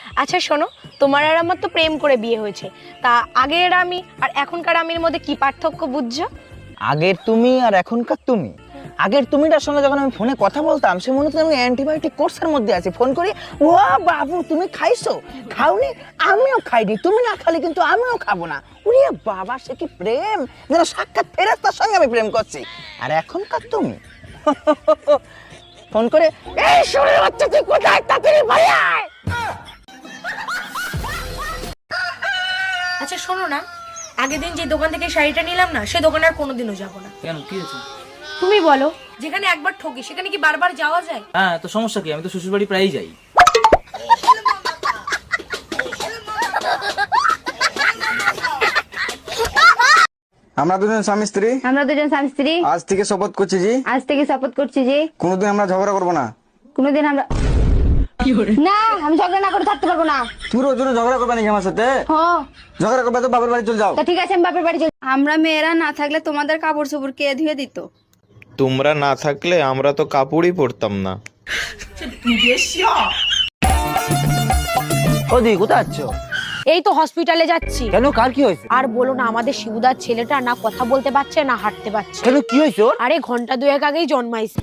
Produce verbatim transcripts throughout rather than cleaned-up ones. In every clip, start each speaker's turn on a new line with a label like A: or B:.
A: আচ্ছা শোনো, তোমার আর আমার তো প্রেম করে বিয়ে হয়েছে, তা আগের আমি আর এখনকার আমির মধ্যে কি পার্থক্য বুঝছো?
B: আগের তুমি আর এখনকার তুমি, আগের তুমিটার সঙ্গে যখন আমি ফোনে কথা বলতাম সে মনে হতো আমি অ্যান্টিবায়োটিক কোর্সের মধ্যে আছি। ফোন করি, ও বাবু তুমি খাইছো? খাওনি? আমিও খাইনি। তুমি না খালি কিন্তু আমিও খাবো না। ওরে বাবা, সে কি প্রেম! যেন সাক্ষাৎ ফেরেশতার সঙ্গে আমি প্রেম করছি। আর এখনকার তুমি ফোন করে, এই শুনে বাচ্চা তুই কোথায়, তাড়াতাড়ি বাড়ি আয়।
A: আচ্ছা শোনো না, আগের দিন যে দোকান থেকে শাড়িটা নিলাম না, সে দোকানে আর কোনোদিনও যাবো না।
C: কেন, কি হয়েছে?
A: তুমি বলো, যেখানে একবার ঠকি সেখানে কি বারবার যাওয়া যায়?
C: হ্যাঁ, তো সমস্যা কি? আমি তো শ্বশুর বাড়ি প্রায়ই যাই।
D: আমরা দুজন স্বামী স্ত্রী
E: আমরা দুজন স্বামী স্ত্রী
D: আজ থেকে শপথ করছি জি
E: আজ থেকে শপথ করছি যে
D: কোনোদিন আমরা ঝগড়া করবো না।
E: কোনোদিন আমরা না, আমি ঝগড়া না করে থাকতে পারবো না।
D: তুই রোজ রোজ ঝগড়া করবে নাকি আমার সাথে?
E: হ্যাঁ,
D: ঝগড়া করবে তো বাবার বাড়ি চলে যাও।
E: তা ঠিক আছে, আমি বাপের বাড়ি চলে। আমরা মেয়েরা না থাকলে তোমাদের কাপড় চোপড় কে ধুয়ে দিত?
F: তোমরা না থাকলে আমরা তো কাপড়ই পরতাম না।
B: ওদি কোথায় যাচ্ছ?
A: এই তো হসপিটালে যাচ্ছি।
B: কেন, কার কি হয়েছে?
A: আর বলো না, আমাদের শিবুদার ছেলেটা না কথা বলতে পারছে না হাঁটতে পারছে।
B: কেন, কি হয়েছে ওর?
A: আরে ঘন্টা দুয়েক আগেই জন্মাইছে।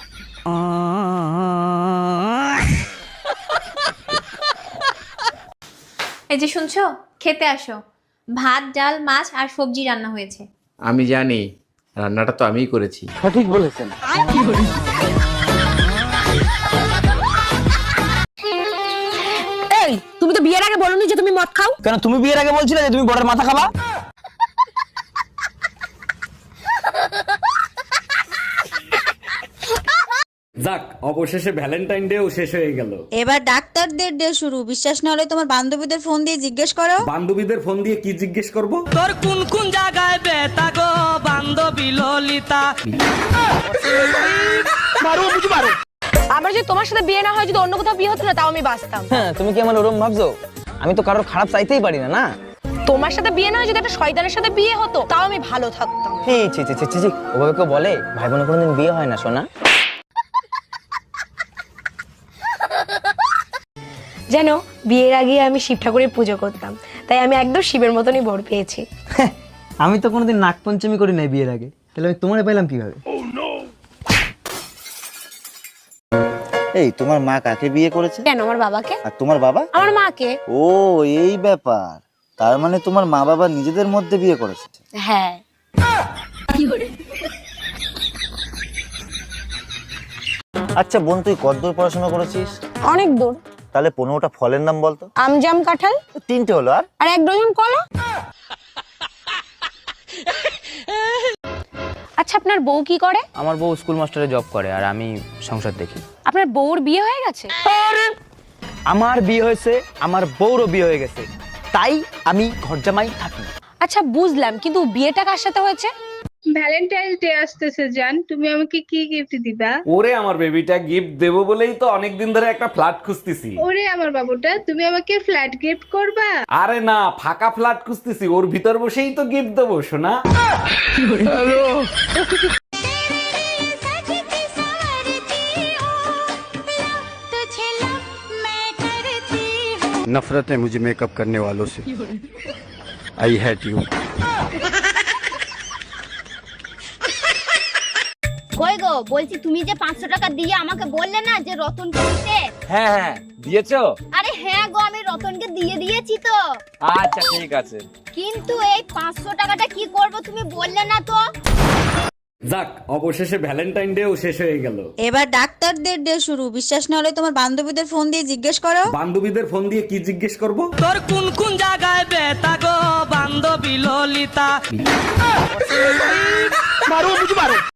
G: এই যে শুনছো, খেতে আসো। ভাত, ডাল, মাছ আর সবজি রান্না হয়েছে।
H: আমি জানি, রান্নাটা তো আমিই করেছি।
B: সঠিক বলেছেন।
A: এই, তুমি তো বিয়ের আগে বলোনি যে তুমি মদ খাও।
B: কেন, তুমি বিয়ের আগে বলছিলে যে তুমি বড়ের মাথা খাবা?
I: যাক, অবশেষে ভ্যালেন্টাইন ডেও শেষ হয়ে গেল।
J: এবার ডাক্তারদের ডে শুরু। বিশ্বাস না হলে তোমার বান্ধবীদের ফোন দিয়ে জিজ্ঞেস করো।
I: বান্ধবীদের ফোন দিয়ে কি জিজ্ঞেস করব?
K: তোর কোন কোন জায়গায় বেতা গো বান্ধবী ললিতা।
B: মারো বুঝি মারো।
A: আমার যে তোমার সাথে বিয়ে না হয় যদি অন্য কোথাও বিয়ে হতো না, তাও আমি বাঁচতাম।
B: হ্যাঁ, তুমি কি আমার ওরম ভাবছো? আমি তো কারোর খারাপ চাইতেই পারি না। না,
A: তোমার সাথে বিয়ে না হয় যদি একটা শয়তানের সাথে বিয়ে হতো, তাও আমি ভালো থাকতাম।
B: ছি ছি ছি ছি ছি, ওভাবে কেউ বলে? ভাই বোনের কোনোদিন বিয়ে হয় না সোনা।
A: জানো, বিয়ের আগে আমি শিব ঠাকুরের পুজো করতাম, তাই আমি একদম শিবের মতনই বর পেয়েছি।
B: আমি তো কোনোদিন নাগ পঞ্চমী করি নাই বিয়ের আগে, তাহলে আমি তোমারে পাইলাম কিভাবে?
L: এই তোমার মা কাকে বিয়ে করেছে?
A: কেন, আমার বাবাকে।
L: আর তোমার বাবা?
A: আমার মাকে।
L: ও, এই ব্যাপার। তার মানে তোমার মা বাবা নিজেদের মধ্যে বিয়ে করেছে?
A: হ্যাঁ।
L: আচ্ছা বোন, তুই কতদূর পড়াশোনা করেছিস?
A: অনেক দূর।
L: তাহলে পনেরোটা ফলের নাম বলতো।
A: আম, জাম, কাঁঠাল।
L: তিনটে হলো, আর
A: আর এক ডজন কলা। আচ্ছা, আপনার বউ কি করে?
C: আমার বউ স্কুল মাস্টারে জব করে আর আমি সংসার দেখি।
A: আপনার বউর বিয়ে হয়ে গেছে?
B: আমার বিয়ে হয়েছে, আমার বউরও বিয়ে হয়ে গেছে, তাই আমি ঘর জামাই থাকি।
A: আচ্ছা বুঝলাম, কিন্তু বিয়েটা কার সাথে হয়েছে?
E: ভ্যালেন্টাইন্স ডে আসতেছে জান, তুমি আমাকে কি গিফট দিবা?
I: ওরে আমার বেবিটা, গিফট দেবো বলেই তো অনেকদিন ধরে একটা ফ্ল্যাট খুঁজতেছি।
E: ওরে আমার বাবুটা, তুমি আমাকে ফ্ল্যাট গিফট করবা?
I: আরে না, ফাঁকা ফ্ল্যাট খুঁজতেছি, ওর ভিতর বসেই তো গিফট দেবো সোনা।
H: नफरत है मुझे मेकअप करने वालों से। I hate you.
E: কই গো, বলছি তুমি যে পাঁচশো টাকা দিয়ে আমাকে বললে না যে রতনকে দিতে।
C: হ্যাঁ হ্যাঁ, দিয়েছো?
E: আরে হ্যাঁ গো, আমি রতনকে দিয়ে দিয়েছি তো।
C: আচ্ছা ঠিক আছে।
E: কিন্তু এই পাঁচশো টাকাটা কি করব তুমি বললে না তো।
I: যাক, অবশেষে ভ্যালেন্টাইন ডেও শেষ হয়ে গেল।
J: এবার ডাক্তারদের ডে শুরু। বিশ্বাস না হলে তোমার বান্ধবীদের ফোন দিয়ে জিজ্ঞেস করো।
I: বান্ধবীদের ফোন দিয়ে কি জিজ্ঞেস করব?
K: তোর কোন কোন জায়গায় বেতা গো বান্ধবী ললিতা।
B: মারো বুঝি মারো।